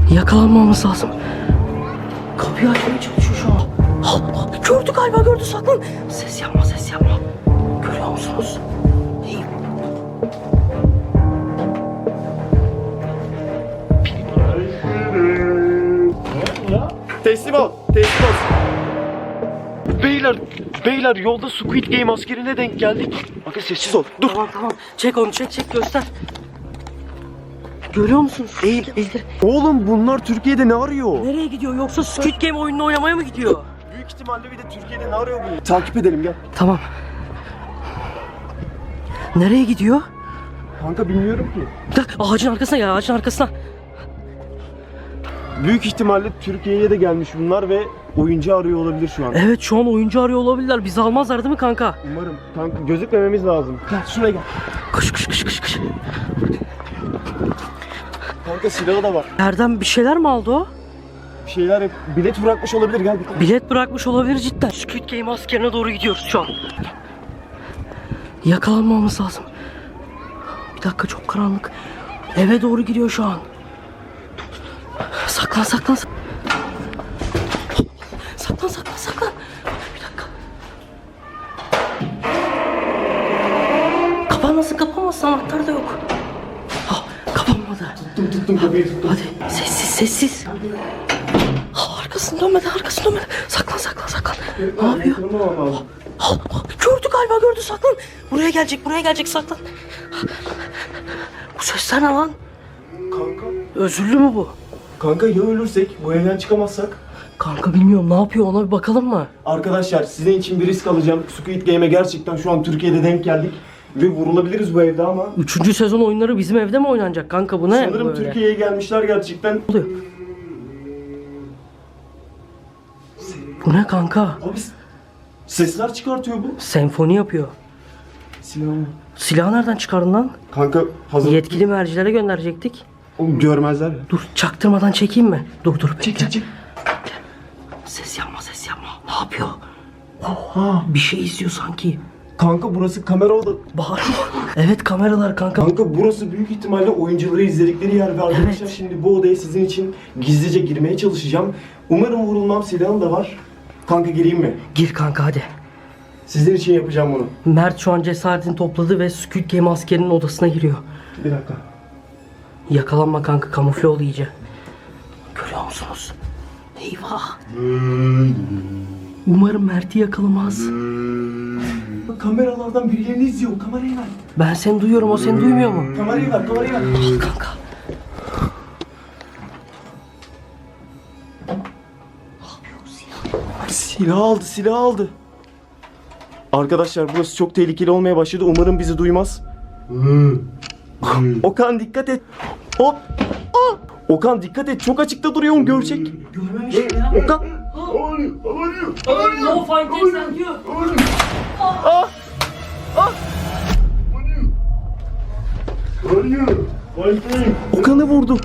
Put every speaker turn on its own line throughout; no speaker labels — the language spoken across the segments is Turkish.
Yakalanmamamız lazım. Kapıyı açmaya çalışıyor şu an. Gördü galiba, gördü, saklan. Ses yapma, ses yapma. Görüyor musunuz? İyi.
Teslim ol, teslim ol. Beyler yolda Squid Game askerine denk geldik. Bakın sessiz ol. Dur.
Tamam. Çek onu, çek göster. Görüyor musunuz?
Eğil. Oğlum bunlar Türkiye'de ne arıyor?
Nereye gidiyor, yoksa Squid Game oyununu oynamaya mı gidiyor?
Büyük ihtimalle bir de Türkiye'de ne arıyor bu? Takip edelim gel.
Tamam. Nereye gidiyor?
Kanka bilmiyorum ki.
Ağacın arkasına ya, ağacın arkasına.
Büyük ihtimalle Türkiye'ye de gelmiş bunlar ve oyuncu arıyor olabilir şu an.
Evet, şu an oyuncu arıyor olabilirler. Bizi almazlar değil mi kanka?
Umarım. Kanka gözükmememiz lazım. Gel şuraya gel.
Koş.
Kanka silahı da var.
Erdem, bir şeyler mi aldı o?
Bir şeyler bilet bırakmış olabilir, gel bir.
Bilet bırakmış olabilir cidden. Squid Game askerine doğru gidiyoruz şu an. Yakalanmamamız lazım. Bir dakika, çok karanlık. Eve doğru gidiyor şu an. Saklan. Saklan. Bir dakika. Kapanmasın, anahtar da yok. Kapanmadı.
Tuttum kapıyı tuttum.
Hadi sessiz. Arkasını dönmedi. Saklan. Ne yapıyor? Gördü galiba, gördü, saklan. Buraya gelecek, saklan. Bu sesler ne lan?
Kanka.
Özürlü mü bu?
Kanka ya ölürsek, bu evden çıkamazsak?
Kanka bilmiyorum, ne yapıyor, ona bir bakalım mı?
Arkadaşlar sizin için bir risk alacağım. Squid Game'e gerçekten şu an Türkiye'de denk geldik. Ve vurulabiliriz bu evde ama.
3. sezon oyunları bizim evde mi oynanacak kanka, bu ne?
Sanırım
böyle?
Türkiye'ye gelmişler gerçekten.
Ne oluyor? Bu ne kanka?
Abi sesler çıkartıyor bu.
Senfoni yapıyor.
Silahı.
Silahı nereden çıkardın lan?
Kanka hazır.
Yetkili mercilere gönderecektik.
Oğlum görmezler ya.
Dur, çaktırmadan çekeyim mi? Dur bekle.
Çek.
Ses yapma. Ne yapıyor? Bir şey izliyor sanki.
Kanka burası kamera oda.
Bağırma. Evet, kameralar kanka.
Kanka burası büyük ihtimalle oyuncuları izledikleri yer ve arkadaşlar
Evet.
şimdi bu odaya sizin için gizlice girmeye çalışacağım. Umarım vurulmam, silahım da var. Kanka gireyim mi?
Gir kanka, hadi.
Sizin için yapacağım bunu.
Mert şu an cesaretini topladı ve Squid Game askerinin odasına giriyor.
Bir dakika.
Yakalanma kanka, kamufle ol iyice. Görüyor musunuz? Eyvah. Umarım Mert'i yakalamaz.
Kameralardan birilerini izliyor. Kamerayı ver.
Ben seni duyuyorum, o seni duymuyor mu?
Kamerayı ver.
Al kanka.
Silah aldı. Arkadaşlar burası çok tehlikeli olmaya başladı. Umarım bizi duymaz. Okan dikkat et. Hop. Okan dikkat et. Çok açıkta duruyor, görecek.
Görmemişim ya.
Okan.
No fighting sen diyor.
Okan'ı vurdu.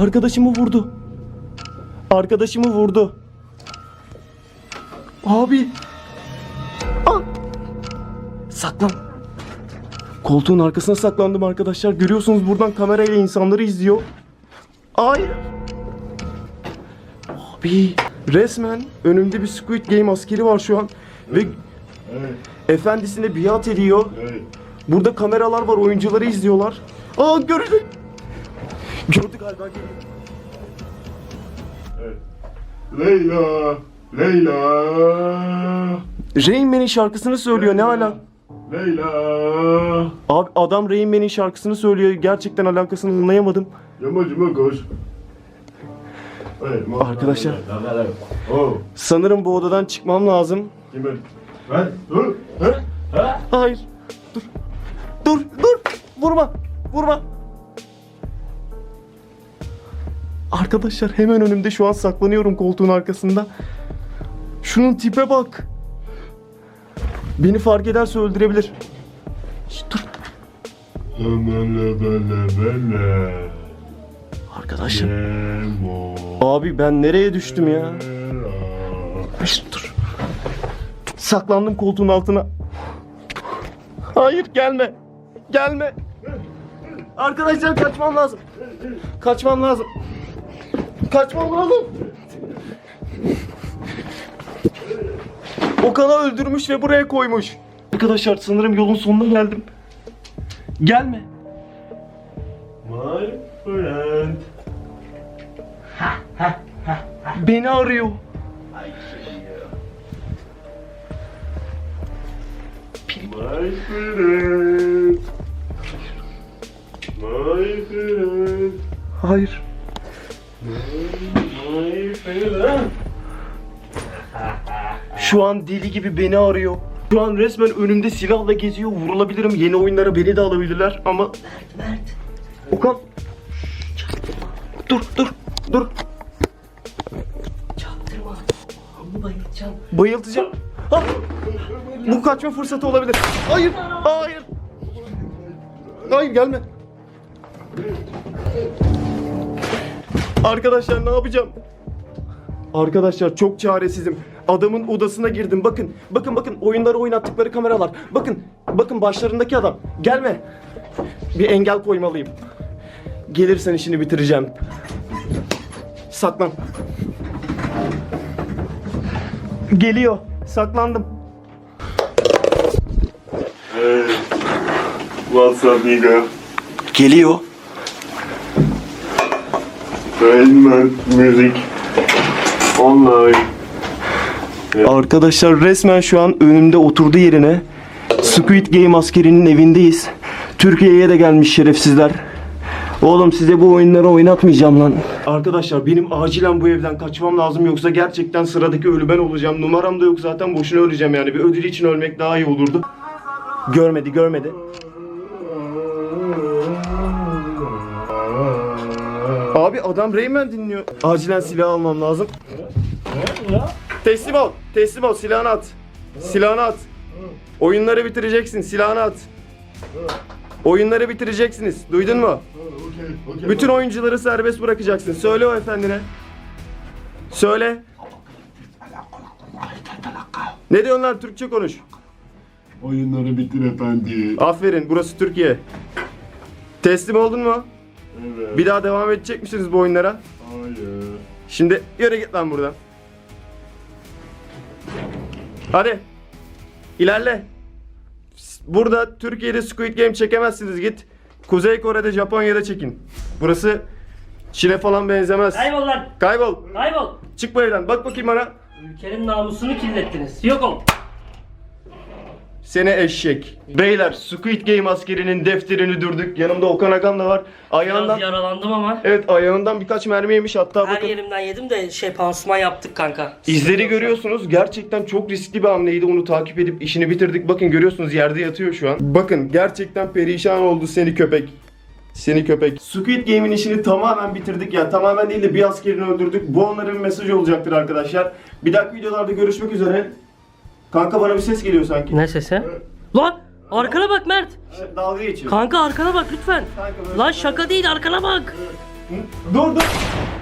Arkadaşımı vurdu. Abi. Saklan. Koltuğun arkasına saklandım arkadaşlar. Görüyorsunuz buradan kamerayla insanları izliyor. Hayır. Abi. Resmen önümde bir Squid Game askeri var şu an. Ve efendisine biat ediyor. Burada kameralar var, oyuncuları izliyorlar. Gördü. Gördü galiba, geliyor.
Leyla.
Rain Man'in şarkısını söylüyor, ne ala?
Leyla.
Abi adam Rain Man'in şarkısını söylüyor, gerçekten alakasını anlayamadım.
Yamacıma koş.
Arkadaşlar.
Oh.
Sanırım bu odadan çıkmam lazım.
Kime? Ben? Dur.
Hayır. Dur. Vurma. Arkadaşlar hemen önümde şu an saklanıyorum koltuğun arkasında. Şunun tipe bak. Beni fark ederse öldürebilir. Dur.
Bele.
Arkadaşlar. Abi ben nereye düştüm ya? Dur. Saklandım koltuğun altına. Hayır, gelme. Arkadaşlar kaçmam lazım. Kaçmam lazım. Okan'ı öldürmüş ve buraya koymuş. Arkadaşlar sanırım yolun sonuna geldim. Gelme.
My friend.
Beni arıyor.
My friend. My friend.
Hayır.
My friend.
Şu an deli gibi beni arıyor. Şu an resmen önümde silahla geziyor. Vurulabilirim. Yeni oyunlara beni de alabilirler ama...
Mert.
Okan. Dur.
Çaktırma. Onu bayılacağım.
Bayıltacağım. Ah! Bu kaçma fırsatı olabilir. Hayır. Hayır gelme. Arkadaşlar ne yapacağım? Arkadaşlar çok çaresizim. Adamın odasına girdim. Bakın oyunları oynattıkları kameralar. Bakın başlarındaki adam. Gelme. Bir engel koymalıyım. Gelirsen işini bitireceğim. Saklan. Geliyor. Saklandım.
Hey. What's up, nigga?
Geliyor.
Rainman Music. Online.
Arkadaşlar resmen şu an önümde oturdu yerine. Squid Game askerinin evindeyiz. Türkiye'ye de gelmiş şerefsizler. Oğlum size bu oyunları oynatmayacağım lan. Arkadaşlar benim acilen bu evden kaçmam lazım yoksa gerçekten sıradaki ölü ben olacağım. Numaram da yok zaten boşuna öleceğim yani. Bir ödül için ölmek daha iyi olurdu. Görmedi. Abi adam Rayman dinliyor. Acilen silah almam lazım. Teslim ol. Silahını at. Oyunları bitireceksin. Silahını at. Oyunları bitireceksiniz. Duydun mu?
Okay.
Bütün oyuncuları serbest bırakacaksın. Söyle o efendine. Söyle. Ne diyorsun lan? Türkçe konuş.
Oyunları bitir efendi.
Aferin. Burası Türkiye. Teslim oldun mu?
Evet.
Bir daha devam edecek misiniz bu oyunlara?
Hayır.
Şimdi yürü git lan buradan. Hadi. İlerle. Burada Türkiye'de Squid Game çekemezsiniz. Git Kuzey Kore'de, Japonya'da çekin. Burası Çin'e falan benzemez.
Kaybol lan.
Kaybol.
Kaybol.
Çık bu evden. Bak bakayım bana.
Ülkenin namusunu kirlettiniz. Yok ol.
Seni eşek. Beyler Squid Game askerinin defterini dürdük. Yanımda Okan Agam da var. Ayağından...
Biraz yaralandım ama.
Evet ayağından birkaç mermi yemiş hatta
Her
bakın.
yerimden yedim de pansuman yaptık kanka.
İzleri görüyorsunuz. Gerçekten çok riskli bir hamleydi. Onu takip edip işini bitirdik. Bakın görüyorsunuz yerde yatıyor şu an. Bakın gerçekten perişan oldu seni köpek. Squid Game'in işini tamamen bitirdik. Yani tamamen değil de bir askerini öldürdük. Bu onların bir mesajı olacaktır arkadaşlar. Bir dahaki videolarda görüşmek üzere. Kanka bana bir ses geliyor sanki.
Ne sesi? Lan arkana bak Mert.
Dalga geçiyor.
Kanka arkana bak lütfen.
Kanka böyle-
Lan şaka değil arkana bak.
Dur.